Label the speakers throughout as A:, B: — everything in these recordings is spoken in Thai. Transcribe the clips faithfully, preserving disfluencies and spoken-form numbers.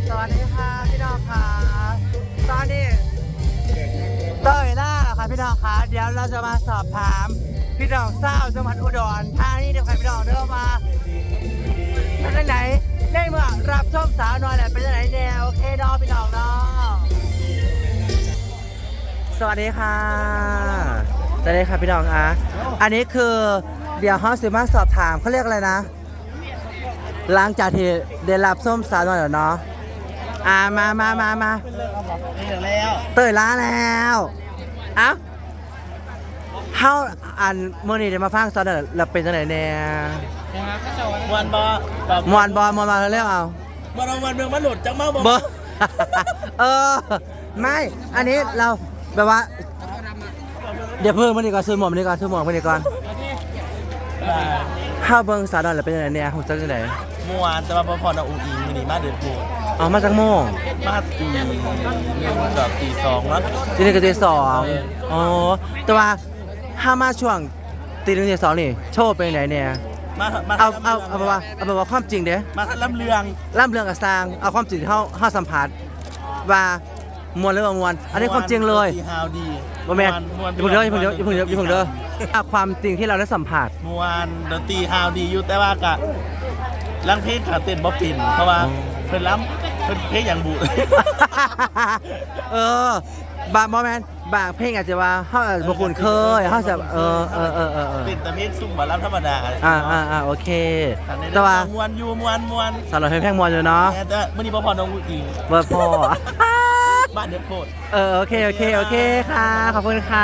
A: สวัสดีค่ะพี่น้องค่ะตอนนี้เต้ยล่าค่ะพี่น้องค่ะเดี๋ยวเราจะมาสอบถามพี่น้องเศร้าจังหวัดอุดรธานีเดี๋ยวใครพี่น้องเดินมาเป็นที่ไหนได้เมื่อรับชมสาวน้อยแหละเป็นที่ไหนแนวโอเคน้องพี่น้องเนาะสวัสดีค่ะสวัสดีค่ะพี่น้องอ่ะอันนี้คือเดี๋ยวเขาสิมาสอบถามเขาเรียกอะไรนะหลังจากที่ได้รับส้มสาวน้อยแล้วเนาะอ่ามามามามาเตยล้าแล้วเอ้าเฮาอันเมื่อนี้ได้มาฟังสาวน้อยแล้วเป็นจังได๋แน่
B: มวนบอ
A: มวนบ่มวนมาเร็วเอา
B: มวนมวนเมืองมันหลุดจังมาบ่
A: บ่เออไม่อันนี้เราแบบว่าเดี๋ยวเพิ่มมันดีกว่าซื้อหมวกมันดีกว่าซื้อหมวกมันดีก่อนเฮาเบิ่งสาวน้อยแล้วเป็นจังได๋แน่ฮู้จักจังได๋
B: มวนแต่ว่าพอพอเอาอูอีนี่มาเดือดโผล่
A: อ๋อมาจากโมง
B: มาตีหนึ่งกับตีสองแล้ว
A: ตีหนึ่งกับตีสองอ๋อแต่ว่าถ้ามาช่วงตีหนึ่งตีสองนี่โชว์เป็นไหนเนี่ย
B: มามา
A: เอาเอาเอาแบบว่าเอาแบบว่าความจริงเด้
B: มาล่ำเรือง
A: ล่ำเรืองกับสร้างเอาความจริงที่เขาเขาสัมผัสว่ามวลหรือว่ามวลอันนี้ความจริงเลย
B: ฮาวดี
A: ว่าแม่อย่าเพิ่งเด้ออย่าเพิ่งเด้ออย่าเพิ่งเด้ออย่าเพิ่งเด้อความจริงที่เราได้สัมผัส
B: มวลดนตรีฮาวดีอยู่แต่ว่ากะลังเพลงขาเต้นบ๊อบปิ่นเพราะว่าเพิ่นล้ำเพิ่นเพลงอย่างบุ
A: เออบางโมเมนต์บางเพลงอาจจะว่าเขาอาจจะบุคุณเคยเขาจะเออเออเออเออ
B: เป็นแต่เพลงซุ่มบาลัมธรรมดา
A: อ่าอ่าอ่าโอเคแต่ว่าม
B: วนอยู่มวนมวน
A: สำหรับเพลงแพงมวนอยู่เนาะ
B: แต่มื่อนี้พ่อพอน้องกูอี
A: เบอร์พ่อ
B: บ้านเดือดโคตร
A: เออโอเคโอเคโอเคค่ะขอบคุณค่ะ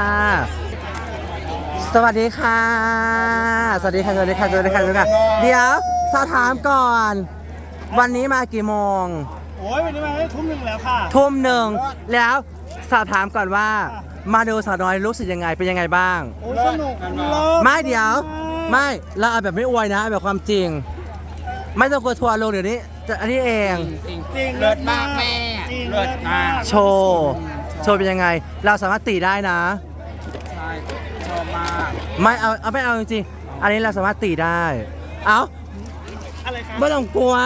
A: สวัสดีค่ะสวัสดีค่ะสวัสดีค่ะสวัสดีค่ะสวัสดีค่ะเดี๋ยวสอบถามก่อนวันนี้มากี่โมง
B: โอ้ยวันนี้มาทุ่มหนึ่งแล้วค่ะ
A: ทุ่มหนึ่งแล้วสอบถามก่อนว่ามาดูสาวน้อยรู้สึกยังไงเป็นยังไงบ้าง
B: โอ้สนุก
A: ไม่เดี๋ยวไม่เราเอาแบบไม่อวยนะแบบความจริงไม่ต้องกลัวทัวร์ลงเดี๋ยวนี้อันนี้เอง
B: จริงจริงเลิศมากแม่เลิศมาก
A: โชว์โชว์เป็นยังไงเราสามารถตีได้นะ
B: ใช่ชอบมาก
A: ไม่เอาเอาไม่เอาจริงๆอันนี้เราสามารถตีได้เอา
B: อะไรครับ
A: ไม่ต้องกลัว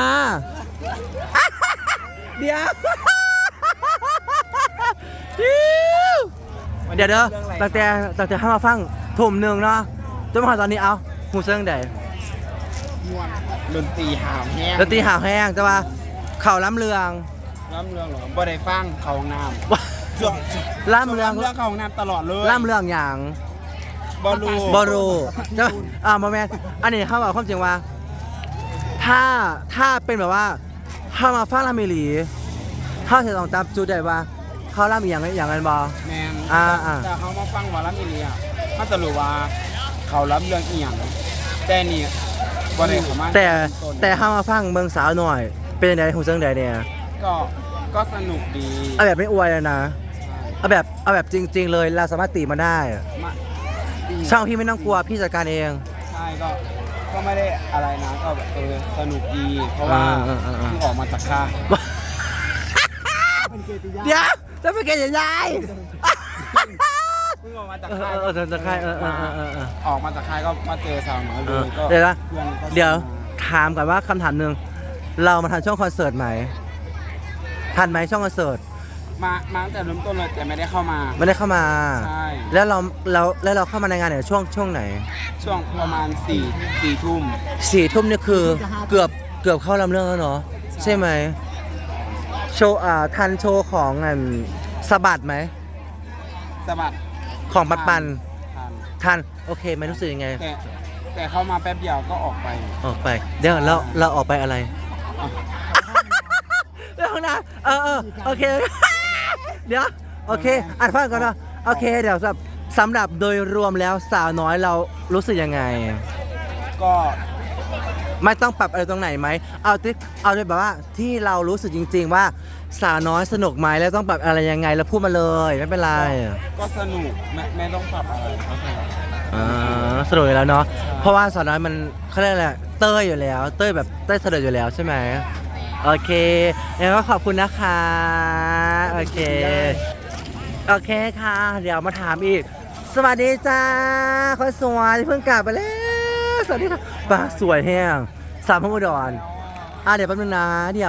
A: เดี๋ยวเดี๋ยวเด้อตั้งแต่ตั้งแต่ให้มาฟังทุ่มหนึ่งเนาะจนมาตอนนี้เอาหูเซิงใด
B: ดนตรีหาวแห้ง
A: ดนตรีหาวแห้งแต่ว่าเข่าล้ำเรือง
B: ล้ำเรืองเหรอบ่ได้ฟังเขาน้
A: ำล้ำเรือง
B: เรื่องเขาน้ำตลอดเลย
A: ล้ำเรืองอย่าง
B: บอลู
A: บอลูจะอ่าโมเมนต์อันนี้เขาบอกความจริงว่าถ้าถ้าเป็นแบบว่าถ้ามาฟังลามิลีถ้าจะต้องจับจุดได้ว่าเขาล่ำอย่างอย่างไรบอ
B: แมน
A: อ่าอ่า
B: แต่เขามาฟังว่าลามิลีอ่ะเขาจะรู้ว่าเขาล้ำเรื่องเอียงแต่นี่บ่ได้เขามา
A: แต่แต่ถ้ามาฟังเมืองสาวหน่อยเป็นยังไงหูเซิงใดเนี่ย
B: ก็ก็สนุกดี
A: เอาแบบไม่อวยเลยนะเอาแบบเอาแบบจริงๆเลยเราสามารถตีมาได้ช่างพี่ไม่ต้องกลัวพี่จัดการเอง
B: ใช่ก็ก็ไม่ได้อะไรนะก็เออสนุกดีเพราะว่าเพิ่งออกมาจากค่าย
A: เดี๋ยวจะเป็นเกย์ใหญ่
B: เพิ่งออกมาจากค่าย
A: เออจากค่ายเออเออเออ
B: ออกมาจากค่ายก็มาเจอสาวน้อยเลยก็
A: เดี๋ยวนะเดี๋ยวถามก่อนว่าคำถามหนึ่งเรามาทันช่วงคอนเสิร์ตไหมทันไหมช่วงคอนเสิร์ต
B: มามาตั้งแต่เริ่มต้นเลยแต่ไม่ได้เข้ามา
A: ไม่ได้เข้ามา
B: ใช่
A: แล้วเราเราแล้วเราเข้ามาในงานเนี่ยช่วงช่วงไหน
B: ช่วงประมาณสี่สี่ทุ่ม
A: สี่ทุ่มนี่คือเกือบเกือบเข้าลำเรื่องแล้วเนาะใช่ไหมโชว์อ่าทันโชว์ของอันสะบัดไหม
B: สะบัด
A: ของปัดปันทันโอเคไหมรู้สึกยังไง
B: แต่แต่เข้ามาแป๊บเดียวก็ออกไป
A: ออกไปเดี๋ยวเราเราออกไปอะไรเรื่องนะเออเออโอเคเดี๋ยวโอเคอ่านฟังก่อนนะโอเคเดี๋ยวสำหรับโดยรวมแล้วสาวน้อยเรารู้สึกยังไง
B: ก็
A: ไม่ต้องปรับอะไรตรงไหนไหมเอาที่เอาเลยแบบว่าที่เรารู้สึกจริงๆว่าสาวน้อยสนุกไหมแล้วต้องปรับอะไรยังไงแล้วพูดมาเลยไม่เป็นไร
B: ก็สนุกไม่ไม่ต้องปรับอะไร
A: อ่าสนุกอยู่แล้วเนาะเพราะว่าสาวน้อยมันเขาเรียกอะไรเต้ยอยู่แล้วเต้ยแบบเต้ยสนุกอยู่แล้วใช่ไหมโอเคงั้นก็ขอบคุณนะคะโอเคโอเคค่ะเดี๋ยวมาถามอีกสวัสดีจ้าคนสวยเพิ่งกลับไปแล้วสวัสดีค่ะปากสวยแห้งสามพันอุดรอ่ะเดี๋ยวแป๊บนึงนะเดี๋ยว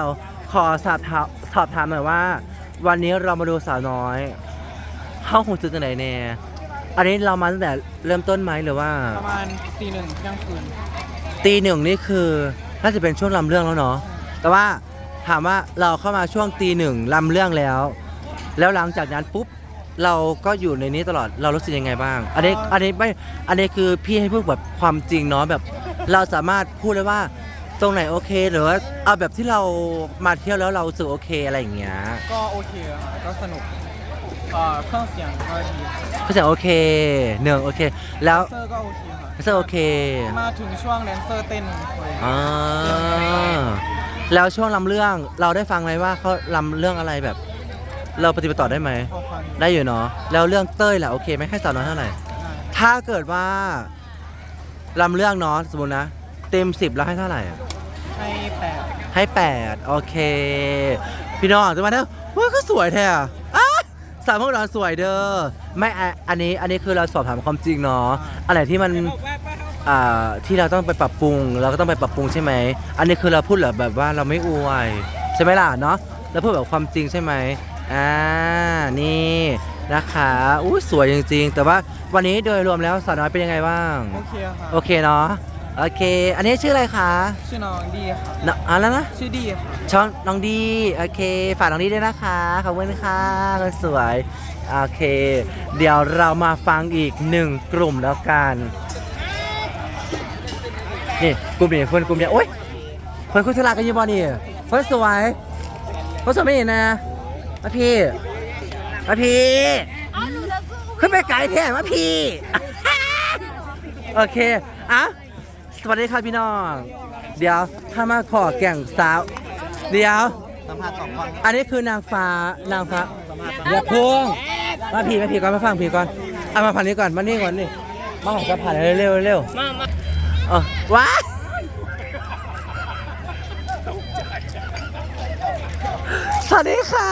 A: ขอสอบถามสอบถามหน่อยว่า วันนี้เรามาดูสาวน้อยห้องหุ่นจุดไหนแน่อันนี้เรามาตั้งแต่เริ่มต้นไหมหรือว่า
C: ประมาณตีหนึ่งเที่ยงคืน
A: ตีหนึ่งนี่คือน่าจะเป็นช่วงลำเรื่องแล้วเนาะแต่ว่าถามว่าเราเข้ามาช่วงตีหนึ่งลำเรื่องแล้ว แล้วหลังจากนั้นปุ๊บเราก็อยู่ในนี้ตลอดเรารู้สึกยังไงบ้าง อันนี้อันนี้ไม่อันนี้คือพี่ให้พูดแบบความจริงเนาะแบบเราสามารถพูดได้ว่าตรงไหนโอเคหรือว่าเอาแบบที่เรามาเที่ยวแล้วเรารู้สึกโอเคอะไรอย่างเงี้ย
C: ก็โอเคค่ะก็สนุกเอ่อเครื่องเสียงก็ดี
A: ก็จะโอเคหนึ่งโอเค แล้ว
C: แดนเซอร์ก็โอเคค่ะ
A: ก็จะโอเค
C: มาถึงช่วงแดนเซอร์เต้นเลย
A: อ่าแล้วช่วงลำเรื่องเราได้ฟังไหมว่าเขาลำเรื่องอะไรแบบ เราปฏิบัติต่อได้ไหม
C: พอฟังอยู่
A: ได้อยู่เนาะแล้วเรื่องเต้ยล่ะโอเคไหมให้สาวน้อยเท่าไหร่
C: ได้
A: ถ้าเกิดว่าลำเรื่องเนาะสมมตินะเต็มสิบแล้วให้เท่าไหร่อะ
C: ให้แปด
A: ให้แปดโอเค พี่น้องจะมาเด้อว่าก็สวยแท้อะอ่ะสาวพวกเราสวยเด้อไม่อ่ะอันนี้อันนี้คือเราสอบถามความจริงเนาะอะไรที่มันอ่าที่เราต้องไปปรับปรุงเราก็ต้องไปปรับปรุงใช่ไหมอันนี้คือเราพูดแบบแบบว่าเราไม่อวยใช่ไหมล่ะเนาะเราพูดแบบความจริงใช่ไหมอ่านี่นะคะอู้สวยจริงๆ แต่ว่าวันนี้โดยรวมแล้วสาวน้อยเป็นยังไงบ้าง
C: โอเคค่ะ
A: โอเคเนาะโอเค อันนี้ชื่ออะไรคะ
C: ชื่อน้องดีค่ะ
A: นอ่ะแล้วนะ
C: ชื่อดีค่ะ
A: ช่องน้องดีโอเคฝากน้องดีด้วยนะคะขอบคุณค่ะคนสวยโอเค เดี๋ยวเรามาฟังอีกหนึ่งกลุ่มแล้วกันนี่กลุ่มนี้คนกลุ่มนี้โอ๊ยคนคุยธุระกันอยี่บอนี่คนสวยคนสวยไม่เห็นนะมาพี่มาพี่ขึ้นไปไกลแท้มาพี่ โอเคอ่ะสวัสดีครับพี่น้อง เดี๋ยวถ้ามาขอแก่งสาว เดี๋ยว
B: สัมภาษณ์สองคน
A: อันนี้คือนางฟ้านางฟ้าอย่าพุ่งมาผีมาผีก่อนมาฟังผีก่อนเอามาผ่านนี้ก่อนมานี่ก่อนนี่มาของจะผ่านเร็วเร็วเร็วมามาเออว้าสวัสดีค่ะ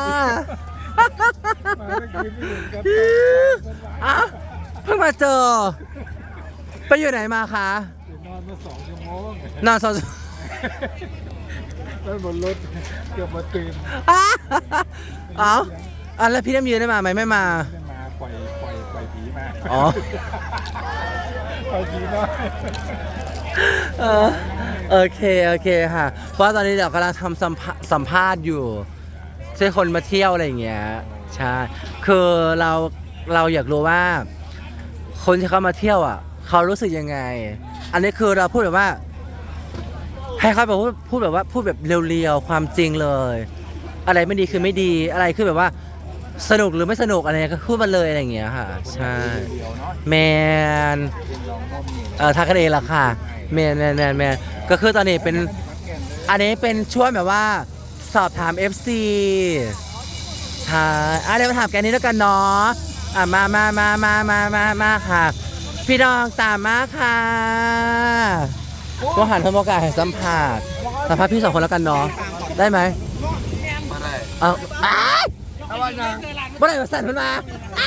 A: อ้าวเพิ่งมาเจอ ไปอยู่ไหนมาคะ
D: นอนมาสองชั่วโมง
A: นอนสอง
D: แล้วบนรถเกือบมาตื่น
A: อ้าวเอาอ่ะแล้วพี่น้ำยืนได้มาไหมไม่มา
D: ได้มาปล่อยปล่อยปล่อยผีมา
A: อ๋อ
D: ปล่อยผีมา
A: เออโอเค โอเคค่ะ เพราะตอนนี้เดี๋ยวกำลังทำสัมภาสัมภาษณ์อยู่ใช่คนมาเที่ยวอะไรอย่างเงี้ยใช่คือเราเราอยากรู้ว่า คนที่เขามาเที่ยวอ่ะ เขารู้สึกยังไง อันนี้คือเราพูดแบบว่า ให้เขาแบบพูดพูดแบบว่าพูดแบบเรียวๆความจริงเลย อะไรไม่ดีคือไม่ดีอะไรคือแบบว่าสนุกหรือไม่สนุกอะไรก็พูดมาเลยอะไรอย่างเงี้ยค่ะ ใช่
D: เดียวเนาะ
A: แมน
D: ลองก้มนี่
A: เออทักกันเองละค่ะแมนแมนแมนแมนก็คือตอนนี้เป็นอันนี้เป็นช่วงแบบว่าสอบถาม เอฟ ซี ใช่อ่ะเดี๋ยวมาถามแกนี้แล้วกันเนาะอ่ะมามามามามามามาค่ะ พี่น้องตามมาค่ะก็หันทำโอกาสให้สัมภาษณ์สัมภาษณ์พี่สองคนแล้วกันเนาะได้ไหม
B: มาได้
A: เอาอ้ายบ่ได้มาสั่นมันมา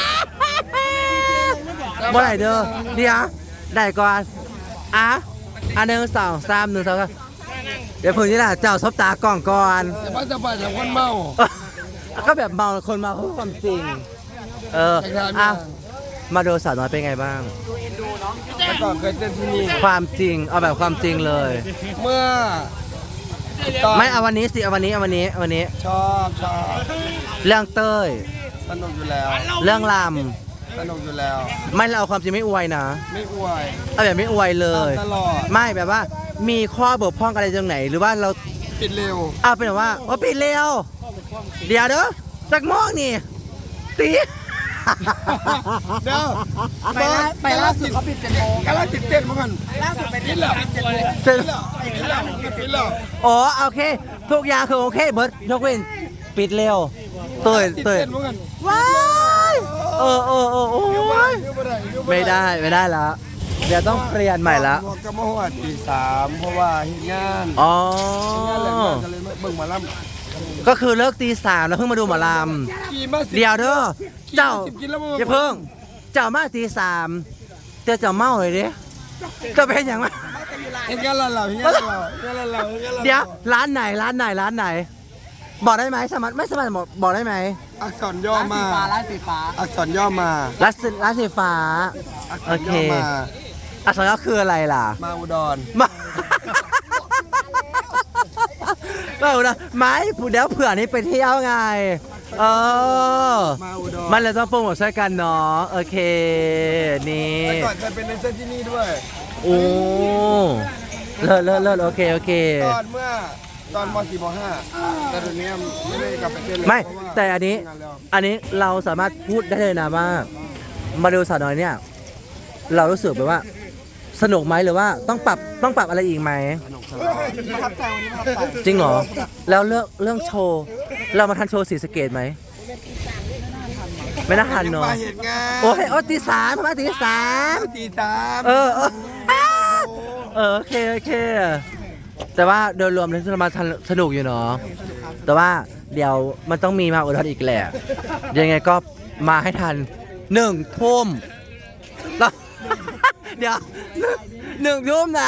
A: บ่ได้เด้อเดี๋ยวได้ก่อนอ่ะอันหนึ่งสองสามหนึ่งสองสามเดี๋ยวพึ่งนี่แหละเจ้าซบตากล่องก่อน
D: จะมาจะไปแต่คนเมา
A: ก็แบบเมาคนเมาเขาพูดความจริง เอออ่ะมาดูสาวน้อยเป็นไงบ้าง
D: แต่ก่อนเคยเต้นที่นี่
A: ความจริงเอาแบบความจริงเลย
D: เมื่อตอน
A: ไม่เอาวันนี้สิเอาวันนี้เอาวันนี้เอาวันนี้
D: ชอบชอบ
A: เรื่องเต้ย
D: สนุกอยู่แล้ว
A: เรื่องล
D: สนุกอยู่แล้ว
A: ำไม่เราเอาความจริงไม่อวยนะ
D: ไม่อวย
A: เอาแบบไม่อวยเลย
D: ตลอด
A: ไม่แบบว่า มีข้อบกพร่องอะไรตรงไหน หรือว่าเรา
D: ปิดเร็ว
A: เอาเป็นแบบว่าว่าปิดเร็ว เดี๋ยวเด้อจักโมองนี่ตี
D: เดี๋ยวไปล่าไปล่าสุดเขาปิดเจ็ดโมงกำลังติดเต้นมาก่อนล่าสุดไปปิดแล้วเจ็ดโมง
A: เสร็จ
D: ปิดแล้วปิดแล้วปิดแล้ว
A: อ๋อโอเค ทุกอย่างคือโอเคเบิร์ดยกเว้นปิดเร็วเตย
D: ติด
A: เตย
D: เต้นมาก่อน
A: ว้ายเออเออเออโอ้
D: เดี๋ยวไม่ได้
A: ย
D: เดี๋ยวไม่ได้เยว
A: ไม่ได้ไม่ได้แล้วเดี๋ยวต้องเปลี่ยนใหม่ละ
D: บอกกับมาหัวตีสามเพราะว่าเห็นงาน
A: อ๋อ
D: งานอะไรมาก็เลยมาเบิ่งหมาล่ำ
A: ก็คือเลิกตีสามแล้วเพิ่งมาดูหมอล
D: ขี่มาสิ
A: ำเดี๋ยวเด้อเจ้า
D: สิบกิโล
A: อย่าเพิ่งเจ้ามาตีสามเจ้าเจ้าเมาเลยดิเจ้าเป็นอย่างไร
D: แต่อยู่ไรเห็นกันเราเราเห็นกันเราเห็นกันเราเราเห็นกันเรา
A: เดี๋ยวร้านไหนร้านไหนร้านไหน บอกได้ไหมสามารถไม่สามารถบอกบอกได้ไหม
D: อักษรย่อมา
C: ร้านสีฟ้า
D: อักษรย่อมา
A: ร้านสีร้านสีฟ้า
D: อักษ
A: โอ
D: ร
A: เค
D: ย่อมา
A: อักษรย่อคืออะไรล่ะ
D: มาอุดร
A: มาไม่เอานะไม่เดี๋ยวเผื่อนี้ไปเที่ยวไง เออ
D: มาอุดร
A: มันเลยต้องโปรโมทช่วยกันเนาะโอเค นี่
D: แต่ก่อนจะเป็นในเส้นที่นี่ด้วย
A: โอ้เลิศเลิศเลิศโอเคโอเค
D: ตอนเมื่อตอนม .สี่ ม .ห้า แต่เดี๋ยวนี้ไม่ได้กลับไปเต้นเลย
A: ไม่
D: เพราะว่า
A: แต่อันนี้
D: ทำงาแล้ว
A: อันนี้เราสามารถพูดได้เลยนะว่า มาดูสาวน้อยเนี่ย เรารู้สึกแบบว่า สนุกไหมหรือว่าต้องปรับต้องปรับอะไรอีกไหม
C: ประทับใจวันนี้ประทับใจ
A: จริงเหรอ แล้วเรื่องเรื่องโชว์ เรามาทันโชว์สีสะเกตไหม ไม่น่าทันเนาะ
D: มาเหตุงาน
A: โอ้ยโอ้ยตีสามมาตีสาม
D: ตีสาม
A: เออเออเออโอเคโอเค แต่ว่าโดยรวมแล้วเรามาทันสนุกอยู่เนาะ แต่ว่าเดี๋ยวมันต้องมีมาอุดรอีกแหละ ยังไงก็มาให้ทันหนึ่งทุ่มแล้ว เดี๋ยวหนึ่งทุ่มนะ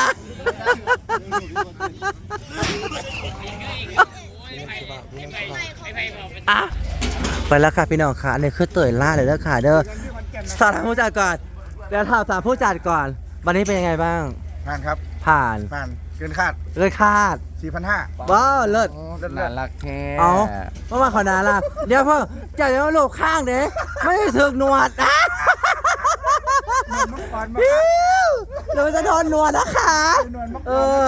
A: อ่ะไปแล้วค่ะพี่น้องค่ะอันนี้คือเตยล่าเลยเด้อค่ะเด้อสอบถามผู้จัดก่อนเดี๋ยวถามถามผู้จัดก่อน วันนี้เป็นยังไงบ้าง
D: งานครับ
A: ผ่าน
D: ผ่านเกินคาด
A: เลยคาด
D: สี่พันห้า
A: ว้าวเลิศ
C: น่ารักแท้
A: เอาเมื่อวานขอนาล่ะเดี๋ยวพ่อจะเอาลูกข้างเด้ไม่ได้ถึกหนวดอ่ะพิ้วเดี๋ยวมันจะโดนหนวดนะคะเออ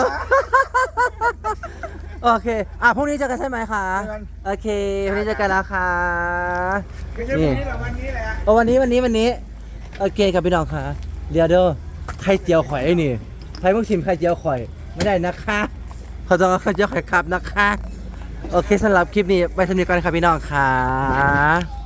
A: โอเคอ่ะพรุ่งนี้เจอกันใช่ไหมคะโอเคพรุ่งนี้เจอกันแล้วค่ะนี่โอ้วันนี้วันนี้วันนี้โอเคกับพี่น้องค่ะเดี๋ยวเด้อไข่เจียวข่อยไอ้นี่ใครเพิ่งชิมไข่เจียวข่อยไม่ได้นะคะเขาต้องเอาไข่เจียวข่อยครับนะคะโอเคสำหรับคลิปนี้ไปสำเนียงกันครับพี่น้องค่ะ